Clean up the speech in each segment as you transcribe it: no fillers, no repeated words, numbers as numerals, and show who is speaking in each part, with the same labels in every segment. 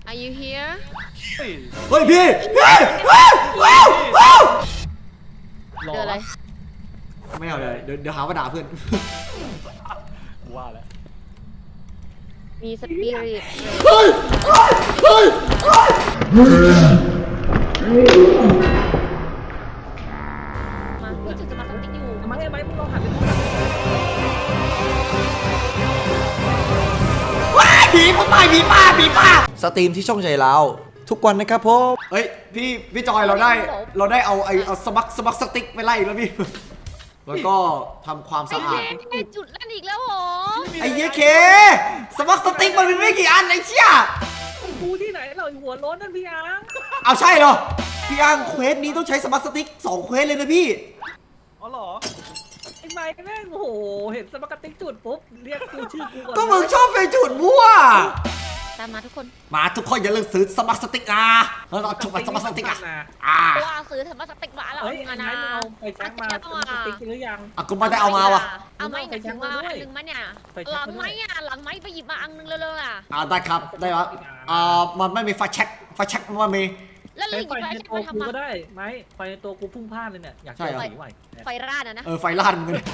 Speaker 1: Are you here
Speaker 2: เฮ้ยพี่
Speaker 1: เจออะไร
Speaker 2: ไม่เอาเลยเดี๋ยวหาว่าด่าเพื่อน
Speaker 3: ว่าแล้ว
Speaker 1: มีสปิริต
Speaker 2: เฮ้ย
Speaker 1: มาพี่จุดจะมาสติ๊กอยู่
Speaker 3: ทำไมมึงลองหันไปดู
Speaker 2: ผีป้าสตรีมที่ช่องใจเราทุกวันนะครับผมเฮ้ยพี่จอยเราได้เอาสมัครสติ๊กไปไล่แล้วพี่แล้วก็ทำความสะอาด
Speaker 1: จุดนั่นอีกแล้วเหรอ
Speaker 2: ไอ้เหี้ยเคสมัครสติ๊กมันมีไม่กี่อันไอ้เชี่ย
Speaker 3: กูที่ไหนเราหัวร้อนนั่นพี่อัง
Speaker 2: เอาใช่เหรอพี่อังเควสนี้ต้องใช้สมัครสติ๊ก2เควสเลยนะพี่
Speaker 3: อ๋อเหรอไอ้ไม้แม่งโอ้โหเห็นสมัครติ๊กจุดปุ๊บเรียกกูชื่อกูก่อน
Speaker 2: ก็มึงชอบไปจุดมั่ว
Speaker 1: ตามมาทุกคน
Speaker 2: อย่าลืมซื้อสมัครสติ๊กแล้วเราชุบสมัครสติ๊ก
Speaker 1: ว่าซื้อสมัครสติ๊กมาแล้ว
Speaker 3: เอานะเอาไปแจ็คมาสมัครสติ๊กหรือยัง
Speaker 2: กูไม่ได้เอามาวะ
Speaker 1: เอาไม่ถึงว่าอันนึงมาเนี่ยหลังไม้ไปหยิบมาอันนึงเร็วๆ
Speaker 2: ได้ครับได้ครับมันไม่มีไฟแช็กมันมี
Speaker 1: แล้วเลย
Speaker 3: ไฟในตัวกูก็ได้ไหมไฟในตัวกูพุ่งพลาดเลยเนี่ยอยากใช้
Speaker 1: ไฟราดนะ
Speaker 2: ไฟราดมึงเลย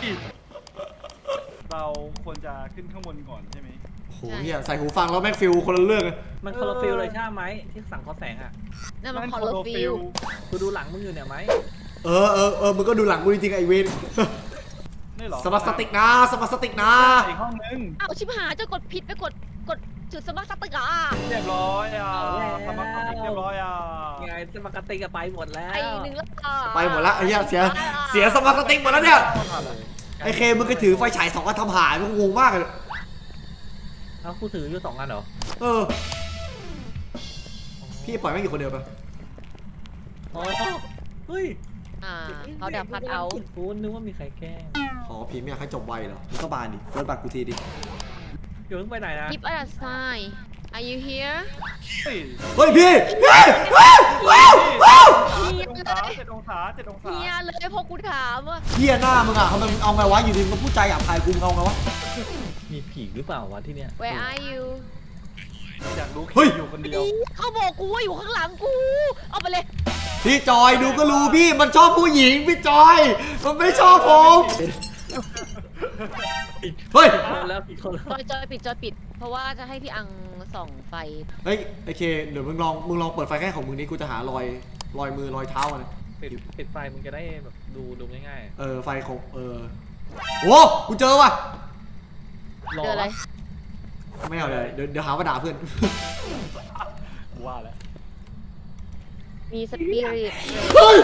Speaker 3: เราควรจะขึ้นข้างบนก่อนใช่ไหม
Speaker 2: โหเฮียใส่หูฟังแล้วแม่งฟิลคนละเรื่อง
Speaker 3: มันคอร์ฟิลเลยใช่ไหมที่สั่งคอแสงอ่ะ
Speaker 1: นั่นมันคอร์ฟิล
Speaker 3: กูดูหลังมึงอยู่เนี่ยไหม
Speaker 2: มึงก็ดูหลังกูจริงๆไอเวนสมัครสติ๊กนะ
Speaker 3: อีกห้องนึง
Speaker 1: เอาชิบหายจะกดผิดไปกดจุดสมัครสติ๊ก
Speaker 3: เรียบร้อยสมัครสติ๊กเรียบร้อยไงสมัครสติ๊กไปหมดแล้ว
Speaker 1: ไอ้หนึ่งแล้ว
Speaker 2: ไปหมดแล้วไอ้เหี้ยเสียสมัครสติ๊กหมดแล้วเนี่ยไอเคมึงก็ถือไฟฉาย2 อันทำหายมึงงงมากเลย
Speaker 3: เอากูถืออยู่2 อันเหรอ
Speaker 2: พี่ปล่อยไม่กี่คนเดียวไป
Speaker 3: เฮ้ย
Speaker 1: เขาดับพัดเอา
Speaker 3: กูนึกว่ามีใครแกล้ง
Speaker 2: พี่ไม่อยากให้จบไวเหรอมึงก็บานดิเฟิร์สบัตรกูทีดิ
Speaker 3: อยู่ไปไหนนะ
Speaker 1: Keep us high Are you here
Speaker 2: เฮ้ยพี่
Speaker 3: 7 องศา
Speaker 1: เฮียเลยพอกูถามว่า
Speaker 2: เฮียหน้ามึงอ่ะเขามันเอาไงวะอยู่ดีมึงพูดใจหยาบคายกูเอาไงวะ
Speaker 3: มีผีหรือเปล่าวะที่เนี้ย
Speaker 1: Where are you
Speaker 3: อยากรู้อยู่คนเดียว
Speaker 1: เขาบอกกูว่าอยู่ข้างหลังกูเอาไปเลย
Speaker 2: พี่จอยดูก็รู้พี่มันชอบผู้หญิงพี่จอยมันไม่ชอบผมเฮ้ย
Speaker 3: แล้วผิดคนแล้ว
Speaker 1: จอยปิดเพราะว่าจะให้พี่อังส่องไฟ
Speaker 2: เฮ้ยโอเคเดี๋ยวมึงลองเปิดไฟแค่ของมึงนี้กูจะหารอยมือรอยเท้ามัน
Speaker 3: ปิดไฟมึงจะได้แบบดูง่าย
Speaker 2: ไฟของโว้กูเจอว่ะ
Speaker 1: เจออะไร
Speaker 2: ไม่เอาเลยเดี๋ยวหาว่าด่าเพื่อน
Speaker 3: ว่าแล้ว
Speaker 1: มีสปิริต
Speaker 2: เฮ้ย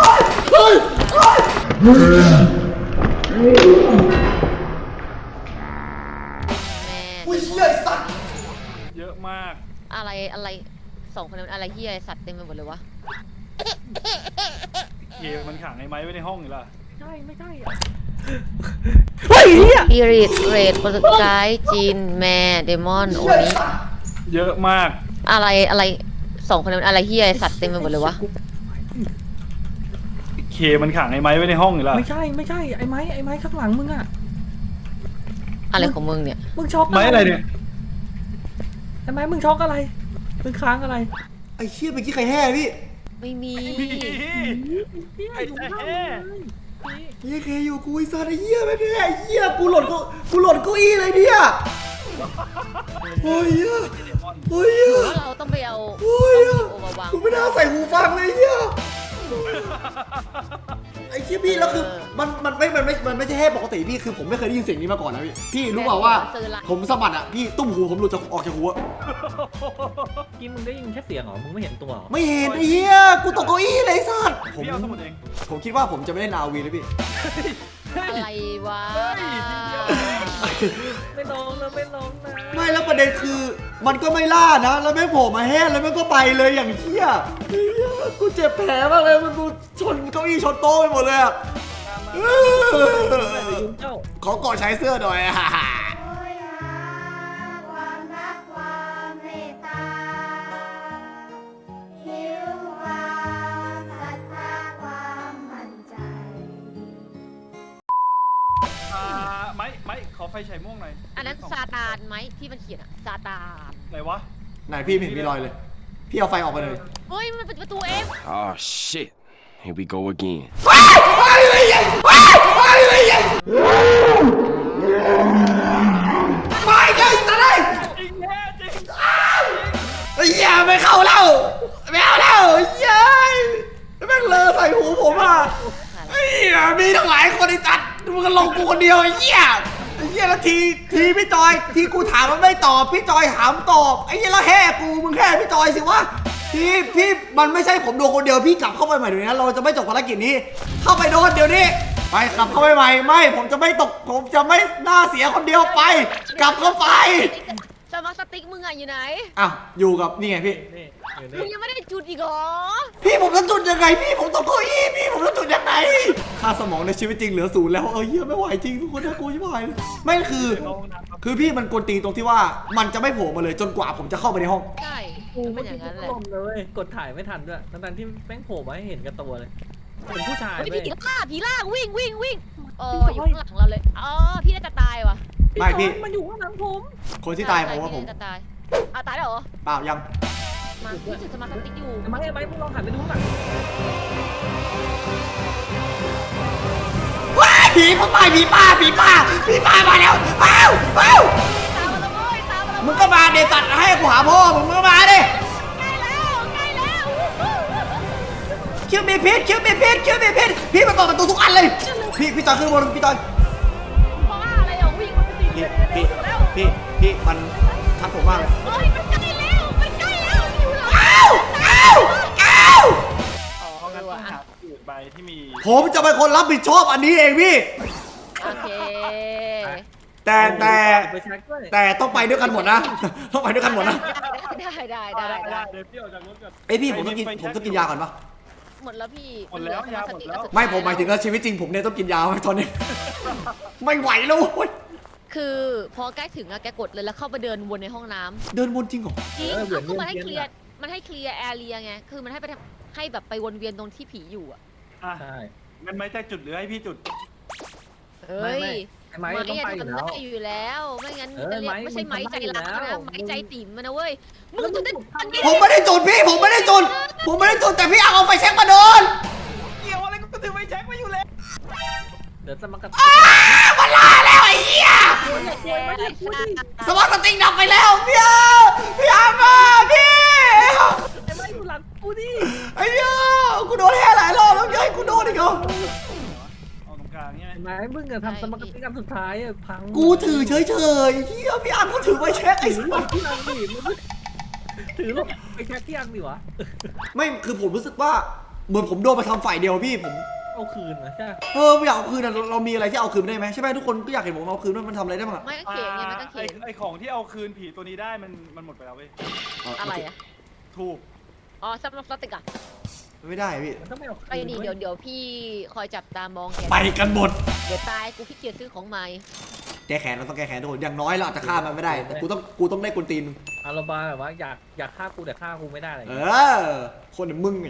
Speaker 2: อุ้ยเฮียสัตว์
Speaker 3: เยอะมาก
Speaker 1: อะไร2 คนนั้นอะไรเฮียสัตว์เต็มไปหมดเลยวะ
Speaker 3: เคมันขังไอ้ไม้ไว้ในห้องอยู่ล่ะใช่ไม่ใช่
Speaker 1: เฮ้ยสปิริตเรดโปรตุไกส์จีนแมเดมอนโอนิ
Speaker 3: เยอะมาก
Speaker 1: อะไร2 คนนั้นอะไรเฮียสัตว์เต็มไปหมดเลยวะ
Speaker 3: เคมันขังไอ้ไม้ไว้ในห้องอยู่ล่ะไม่ใช่ไอ้ไม้ข้างหลังมึงอะ
Speaker 1: อะไรของมึงเนี่ย
Speaker 3: มึงช็อกไม้อะไรเนี่ยไอ้ไม้มึงช็อกอะไรมึงค้างอะไร
Speaker 2: ไอ้เชี่ยเมื่อกี้ใครแห่พี่
Speaker 1: ไม่มี
Speaker 3: ไอ้แห่
Speaker 2: เฮียเคอยู่กูไอ้สัตว์ไอ้เหี้ยไม่แห่ไอ้เหี้ยกูหล่นเก้าอี้เลยเนี่ยโอ้ย
Speaker 1: เราต้องไปเอา
Speaker 2: กูไม่ได้ใส่หูฟังเลยเฮียไอ้เชี่ยพี่แล้วคือมันไม่ใช่แห่ปกติพี่คือผมไม่เคยได้ยินเสียงนี้มาก่อนนะพี่รู้เปล่าว่าผมสะบัดอ่ะพี่ตุ้มหูผมหลุดออกจากหัว
Speaker 3: กินมึงได้ยินแค่เสียงเหรอมึงไม่เห็นตัว
Speaker 2: ไม่เห็นไอ้เหี้ยกูตกเก้าอี้เลยสัตว์ผมคิดว่าผมจะไม่ได้นาวีเลยพี่
Speaker 1: อะไรวะ
Speaker 3: ไม่ลงนะ
Speaker 2: ไม่แล้วประเด็นคือมันก็ไม่ล่านะแล้วแม่งโผล่มาแห่แล้วแม่งก็ไปเลยอย่างเหี้ยกูเจ็บแผลมากเลยมันกูชนเก้าอี้ชนโต๊ะไปหมดเลยอะขอกอดใช้เสื้อหน่อย
Speaker 3: ไม้ขอไฟฉายม่วงหน่อย
Speaker 1: อันนั้นซาตานไหมที่มันเขียนอะซาตาน
Speaker 3: ไหนวะ
Speaker 2: ไหนพี่ไม่เห็นมีรอยเลย พี่เอาไฟออกไปเลย
Speaker 1: เฮ้ยมันเป็นประตูเอง
Speaker 4: Oh shit. Here we go again.
Speaker 2: ไม่ได้สัตว์เลย
Speaker 3: จริงแน่จริง
Speaker 2: ไอ้เหี้ยไม่เข้าแล้วไม่เอาแล้วเหี้ยแม่งเลอะใส่หูผมอ่ะไอ้เหี้ยมีทั้งหลายคนไอ้จัดมึงก็ลงกูคนเดียวไอ้เหี้ยแล้วทีพี่จอยที่กูถามมันไม่ตอบพี่จอยถามตอบไอ้เหี้ยแล้วแห่กูมึงแห่พี่จอยสิวะพี่มันไม่ใช่ผมโดนคนเดียวพี่กลับเข้าไปใหม่เดี๋ยวนี้เราจะไม่จบภารกิจนี้เข้าไปโดนเดี๋ยวนี้ไปกลับเข้าไปใหม่ไม่ผมจะไม่ตกผมจะไม่หน้าเสียคนเดียวไป กลับเข้าไป
Speaker 1: สมาร์ทสติ๊กมึงอะอยู่ไหน
Speaker 2: อ้าวอยู่กับนี่ไงพี่
Speaker 3: นี่อยู่
Speaker 1: มึ
Speaker 3: นี่
Speaker 1: งยังไม่ได้จุดอีกเหรอ
Speaker 2: พี่ผมจะจุดยังไงพี่ผมตกเก้าอี้พี่ผมจะจุดยังไงค่าสมองในชีวิตจริงเหลือศูนย์แล้วเหี้ยไม่ไหวจริงทุกคนน่ากลัวชิบหายเลยไม่คือพี่มันกวนตีนตรงที่ว่ามันจะไม่โผล่มาเลยจนกว่าผมจะเข้าไปในห้อง
Speaker 1: ใช่
Speaker 3: กู
Speaker 1: เป็
Speaker 3: เมื่อน
Speaker 1: อย่า
Speaker 3: กี้
Speaker 1: งนั้นแห
Speaker 3: ก็
Speaker 1: ละ
Speaker 3: ลมเลยกดถ่ายไม่ทันด้วยทั้งที่แม่งโผล่มาให้เห็นกับตัวเลยเป็นผู้ชาย
Speaker 1: เฮ้ย
Speaker 3: เว้ย
Speaker 1: ผีล่าวิ่งอยู่ข้างหลังเราเลยอ๋อพี่น่าจะตายว่ะ
Speaker 2: ไม่พี่
Speaker 3: มันอยู่ข้างหลังผม
Speaker 2: คนที่ตายผมว่าผม
Speaker 1: พี่น่จะตายตายแล้วเหรอ
Speaker 2: เปล่ายัง
Speaker 1: มาพี่จุดสมาร์ทสติ๊กอยู่
Speaker 3: ทำไมมึงลองหันไปดูข้างหลัง
Speaker 2: ว้ายผีผมตายผีป้ามาแล้วอ้าว
Speaker 1: ตามมาแล้วเว้ยตามมาแล้ว
Speaker 2: มึงก็มาเดตัดให้กูหาพ่อมึงก็มาดิ
Speaker 1: ใกล้แล้ว
Speaker 2: คิวมีพิษพี่มาเปิดประตูทุกอันเลยพี่จอยขึ้นบนพี่จอย
Speaker 1: บ้าอะไรอ่ะวิ่งมันไปสิ
Speaker 2: พี่มันทัดผมมากเลย
Speaker 1: เฮ้ยมันใกล้แล้วอยู่หลัง
Speaker 2: อ้าว
Speaker 1: อ๋อ
Speaker 5: เพราะงั้นต้อง
Speaker 1: อ่ะ
Speaker 5: หาอื่นใบที่มี
Speaker 2: ผมจะเป็นคนรับผิดชอบอันนี้เองพี่
Speaker 1: โอเค
Speaker 2: แต่
Speaker 3: ไปเช็คด้วย
Speaker 2: แต่ต้องไปด้วยกันหมดนะ ต้องไปด้วยกันหมดนะ
Speaker 1: ได้
Speaker 5: เดี๋ยวพี่ออกจากรถก่อน
Speaker 2: เอ้ยพี่ผมต้องกินยาก่อนปะ
Speaker 1: หมดแล้วพี่
Speaker 5: หมดแล้วยาหมดแล้ว
Speaker 2: ไม่ผมหมายถึงว่าชีวิตจริงผมเนี่ยต้องกินยาไว้ตอนนี้ ไม่ไหวแล้วเว้ย
Speaker 1: คือพอใกล้ถึงอะแกกดเลยแล้วเข้าไปเดินวนในห้องน้ำ
Speaker 2: เดินวนจริงเหรอ
Speaker 1: จริงคือมันให้เคลียร์แอเรียไงคือมันให้ไปให้แบบไปวนเวียนตรงที่ผีอยู่อะ
Speaker 5: อ่ะ
Speaker 3: ใช่
Speaker 5: มันไม่ได้จุดหรือให้พี่จุด
Speaker 1: เฮ้ย
Speaker 3: ไอ้ไม้ต้องไปอยู่
Speaker 1: ทำ
Speaker 3: แล้ว
Speaker 1: ได้อยู่แล้วไม่งั้น
Speaker 3: เออ
Speaker 1: จะเรียก
Speaker 3: ไม้
Speaker 1: ไม่ใช่ไม้ใจรัก
Speaker 3: มันทำได้อยู่แล้ว
Speaker 1: นะไม้ใจติ๋มมันนะเว้ยมึงจะได้ทันไง
Speaker 2: ผมไม่ได้จุดพี่ผมไม่ได้จุดแต่พี่เอาไฟแช็กมาโดน
Speaker 5: เกี่ยวอะไรก็ถือไฟแช็กมาอยู่แล้ว
Speaker 3: เดี๋ยวจะมากระ
Speaker 2: มันลาแล้วไอ้เหี้ย
Speaker 1: แกไอ้สัส
Speaker 2: สมองสติงดับไปแล้วพี่อามาพี่
Speaker 3: ไอ้ไม้อยู่หลังกูดิ
Speaker 2: ไอ้เหี้ยกูโดนแห่หลายรอบแล้วยัยกูโดนอีกเหรอ
Speaker 5: เอาตรงกลางเนี่ย
Speaker 3: ไอ้ไม้มึงอะทำสมการกันสุดท้ายอะพัง
Speaker 2: กูถือเฉยๆเหี้ยพี่อาร์มก็ถือไฟแช็กไอ้สัส
Speaker 3: ที่อังดิมึงถือลงไปแช็คที่อังดิวะ
Speaker 2: ไม่คือผมรู้สึกว่าเหมือนผมโดนมาทำฝ่ายเดียวพี่ผม
Speaker 3: เอาคืนนะใช่
Speaker 2: ไม่อยากเอาคืนอะเรามีอะไรที่เอาคืนได้ไหมใช่ไหมทุกคนก็อยากเห็นผมเอาคืนว่ามันทำอะไรได้บ้างอะ
Speaker 1: ไม่ต้องเขียนไงไม่ต้องเขียน
Speaker 5: ไอของที่เอาคืนผีตัวนี้ได้มันหมดไปแล้วเว้ย
Speaker 1: อะไรอะ
Speaker 5: ถูก
Speaker 1: อ๋อซับสติกอะ
Speaker 2: ไม่ได้พี่
Speaker 3: มันต้องไม่เอาคืน
Speaker 1: ไปดีเดี๋ยวพี่คอยจับตามองแก
Speaker 2: ไปกันหมด
Speaker 1: เดี๋ยวตายกูขี้เกียจซื้อของใหม่
Speaker 2: แก้แค้นเราต้องแก้แค้นทุกคนอย่างน้อยเราอาจจะฆ่ามันไม่ได้แต่กูต้องได้กุนตีนมึง
Speaker 3: อารมณ์แบบว่าอยากฆ่ากูแต่ฆ่ากูไม่ได้อะไร
Speaker 2: คนอย่างมึงไง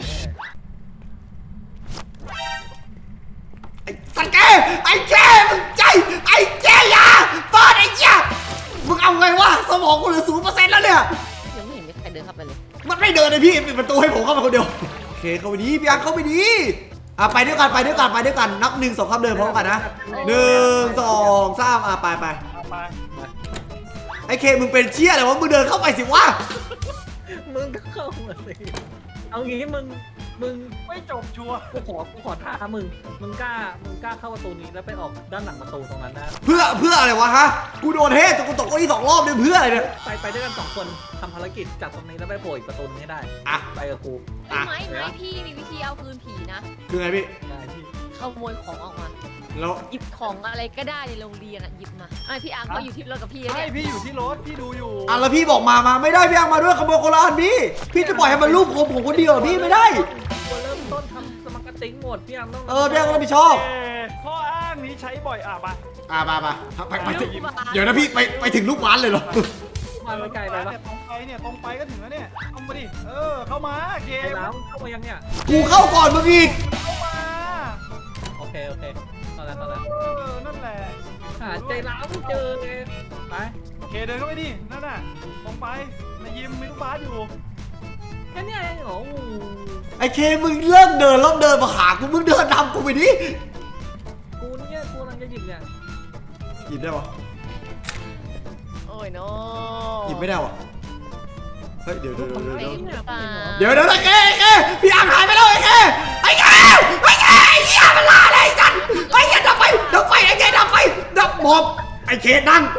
Speaker 2: ไอ้สังเกไอ้แกมึงใจไอ้แกยาเปิดไอ้เหี้ยมึงเอาไงวะสมองกูเหลือ0%แล้วเนี่ย
Speaker 1: ยังไม่เห็นมีใครเดินเข้าไปเลย
Speaker 2: มันไม่เดินเลยพี่ปิดประตูให้ผมเข้ามาคนเดียวโอเคเข้าไปดีพี่อังเข้าไปดีไปด้วยกันนับ1 2 3เดินพร้อมกันนะ1 2 3ไป
Speaker 5: เอาไป
Speaker 2: ไอ้เคมึงเป็นเชี่ยอะไรวะมึงเดินเข้าไปสิวะ
Speaker 3: มึงก็เข้ามาสิเอางี้มึง
Speaker 5: ไม่จบชัวร์
Speaker 3: กูขอท้ามึงกล้าเข้าประตูนี้แล้วไปออกด้านหลังประตูตรงนั้นนะ
Speaker 2: เพื่ออะไรวะฮะกูโดนเทจนกูตกเก้าอี้2 รอบเนี่ยเพื่ออะไรเนี่ย
Speaker 3: ไปด้วยกัน2 คนทำภารกิจจับตรงนี้แล้วไปโผล่อีกประตูนึงให้ได้
Speaker 2: อ่ะ
Speaker 3: ไปกับกู
Speaker 1: ไม่พี่มีวิธีเอาคืนผีนะ
Speaker 2: คือไงพี่
Speaker 3: ได้พี่
Speaker 1: ขโมยของออกมา
Speaker 2: แล้ว
Speaker 1: หยิบของอะไรก็ได้ในโรงเรียนอะหยิบมาพี่อังก็อยู่ที่รถกับพี่
Speaker 5: ใช่
Speaker 1: เนี่ย
Speaker 5: พี่อยู่ที่รถพี่ดูอยู่
Speaker 2: แล้วพี่บอกมาไม่ได้พี่อังมาด้วยขโมยคนละอันพี่จะปล่อยให้มันรูปผมคนเดียวพี่ไม่ได้
Speaker 3: ตัวเริ่มต้นทำสมการติ้งหมดพี่อังต้อง
Speaker 2: พี่อังรับผิดชอบ
Speaker 5: ข้ออ้างนี้ใช้บ่อยมา
Speaker 2: ไปถึงเดี๋ยวนะพี่ไปถึงลูกหวานเลยเหรอ
Speaker 3: มาไกลไปปะ
Speaker 5: ตรงไปก็ถึงแล้วเนี่ยเข้ามาดิเข้ามาเก
Speaker 3: ไอ้
Speaker 5: ม
Speaker 3: แล้วเข้ามายังเนี่ย
Speaker 2: กูเข้าก่อนมึงอีก
Speaker 5: เข้ามา
Speaker 3: โอเคเข้าแล้ว
Speaker 5: นั่นแหละ
Speaker 3: หาใจร้าวไม่เจอเลยไป
Speaker 5: โอเคเดินเข้าไปดินั่นน่ะตรงไปนี่ยิมมีลูกบาสอยู่
Speaker 3: แค่เนี้ยเองเหรอโอ้โห
Speaker 2: ไอ้เคมึงเลิกเดินแล้วเดินมาหากูมึงเดินนำกูไปดิ
Speaker 3: กูเนี่ยกูกำลังจะหยิบเนี่ย
Speaker 2: หยิบได้ปะ
Speaker 1: โอ้ยโน
Speaker 2: หยิบไม่ได้วะเฮ้ยเดี๋ยว
Speaker 1: เฟรมหรือเปล่า
Speaker 2: เดี๋ยวไอ้เคพี่อังหายไปแล้วไอ้เคไอ้เหี้ยมันลาเลยไอ้จันไอ้เหี้ยดับไฟไอ้เคดับไฟดับหมอบไอ้เคนั่ง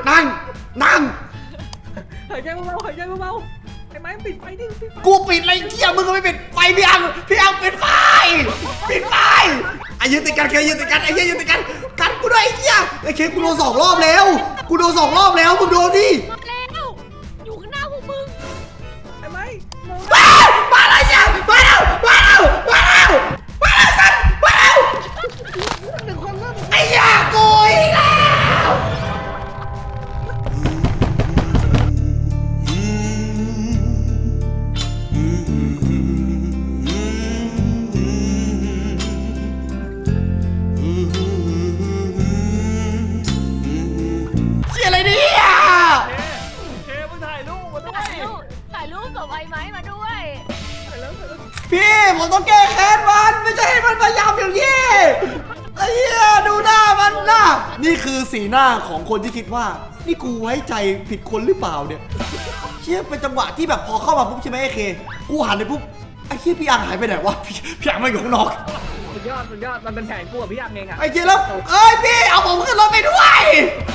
Speaker 3: หายใจเบาๆหายใจเบาๆไอ้ไม้ปิดไฟดิปิดไฟ
Speaker 2: กูปิดอะไรเหี้ยมึงก็ไม่ปิดไฟพี่อังปิดไฟไอ้ยืนติดกันเคยืนติดกันไอ้เหี้ยยืนติดกันกันกูด้วยไอ้เหี้ยไอ้เคกูโดน2 รอบแล้วมึงโดนดิ
Speaker 1: มาแล้วอยู่ข้างหน้าพวกมึง
Speaker 3: ไอ้ไม้มอง
Speaker 2: มาแล้วเนี่ยมาแล้วสัตว์มาแล้วไอ้เหี้ยกูอีกแล้วเชี่ยอะไรเนี่ย
Speaker 5: เคมึงถ่ายรูปมาด้วย
Speaker 1: ถ่ายรูปส่งไอ้ไม้มาด้วย
Speaker 2: พี่ผมต้องแก้แค้นมันไม่ใช่ให้มันพยายามอย่างนี้ไอ้เหี้ยดูหน้ามันนะนี่คือสีหน้าของคนที่คิดว่านี่กูไว้ใจผิดคนหรือเปล่าเนี่ยเชี่ยเป็นจังหวะที่แบบพอเข้ามาปุ๊บใช่ไหมไอ้เคกูหันไปปุ๊บไอ้เชี่ยพี่อังหายไปไหนวะพี่อังมาอยู่ข้างนอก
Speaker 3: สุดยอดมันเป็นแผนกูกับพี่ยักษ์เองอะ
Speaker 2: ไอ้เชี่ยแล้วเอ้ยพี่เอาผมขึ้นรถไปด้วย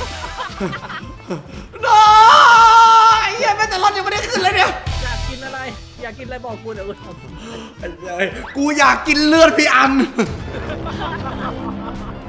Speaker 2: น้อไอ้เหี้ยแม้แต่รถยังไม่ได้ขึ้นเลยเนี่ย
Speaker 3: อยากกินอะไรบอกกูเดี๋ยวกูทำ
Speaker 2: กูอยากกินเลือดพี่อัง